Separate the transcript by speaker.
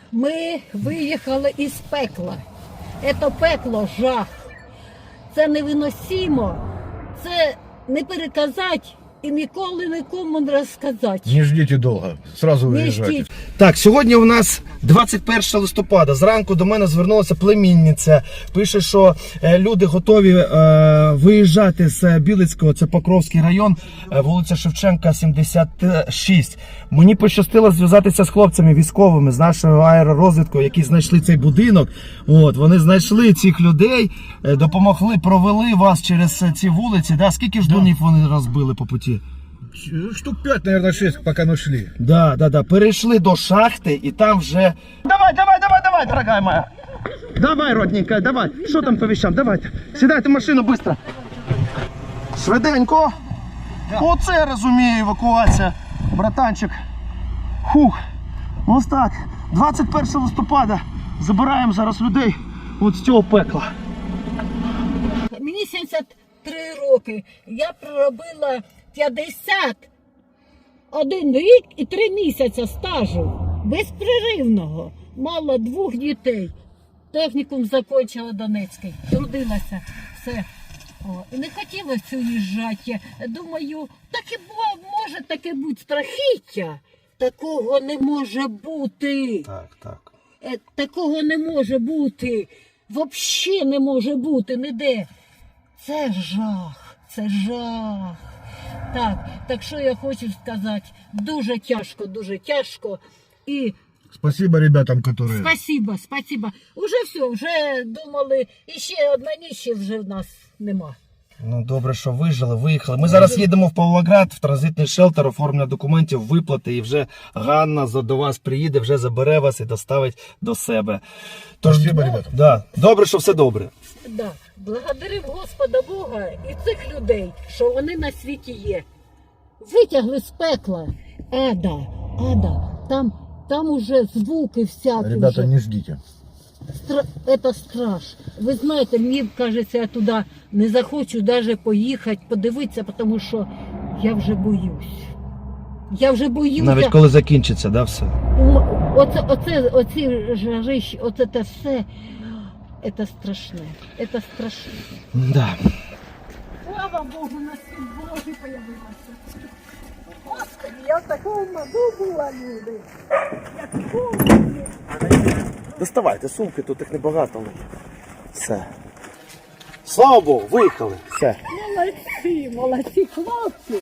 Speaker 1: Ми виїхали із пекла. Це пекло жах. Це невиносимо. Це не переказати і ніколи нікому не розказати.
Speaker 2: Не ждите долго, сразу
Speaker 1: Не
Speaker 2: виїжджайте.
Speaker 1: ждіть.
Speaker 3: Так, сьогодні у нас 21 листопада. Зранку до мене звернулася племінниця. Пише, що люди готові виїжджати з Білицького, це Покровський район, вулиця Шевченка, 76. Мені пощастило зв'язатися з хлопцями військовими, з нашого аеророзвідку, які знайшли цей будинок. От, вони знайшли цих людей, допомогли, провели вас через ці вулиці. Да? Скільки ж домів вони розбили по путі?
Speaker 2: Штук 5, наверное, 6, пока мы шли.
Speaker 3: Да. Перейшли до шахти і там вже... Давай, дорогая моя. Давай, родненькая, давай. Що там по вещам? Давайте. Сідайте в машину швидко. Швиденько. Оце я розумію, евакуація, братанчик. Фух. Ось так. 21 листопада забираємо зараз людей от з цього пекла.
Speaker 1: Мені 73 роки. Я проробила 51 рік і 3 місяці стажу. Безперервного. Мала 2 дітей. Технікум закінчила Донецький. Трудилася. Все. О, і не хотілося уїжджати. Думаю, так і може таке бути страхіття. Такого не може бути.
Speaker 3: Так.
Speaker 1: Такого не може бути. Взагалі не може бути ніде. Це жах. Це жах. Так що я хочу сказати, дуже тяжко. І
Speaker 2: Спасибо ребятам, которые...
Speaker 1: спасибо. Уже все, вже думали, і ще одна ніч вже в нас нема.
Speaker 3: Ну, добре, що вижили, виїхали. Ми зараз їдемо в Павлоград, в транзитний шелтер, оформлення документів, виплати, і вже Ганна до вас приїде, вже забере вас і доставить до себе. Тож,
Speaker 2: Спасибо, ребята.
Speaker 3: Да, добре, що все добре.
Speaker 1: Да. Благодарив Господа Бога і цих людей, що вони на світі є. Витягли з пекла. Ада. Там уже звуки всякі.
Speaker 2: Ребята,
Speaker 1: вже.
Speaker 2: не ждите.
Speaker 1: Это страш. Ви знаєте, мені кажеться, я туди не захочу навіть поїхати, подивитися, тому що я вже боюсь.
Speaker 3: Навіть коли закінчиться, да, все?
Speaker 1: Оці жарищі, оце те все, це страшне. Це страшне.
Speaker 3: Да.
Speaker 1: Слава Богу, на світ Божий появилася. Господи, я в такому маду була, люди. Я в такому.
Speaker 3: Доставайте сумки, тут їх небагато. Все. Слава Богу, виїхали. Все.
Speaker 1: Молодці, хлопці.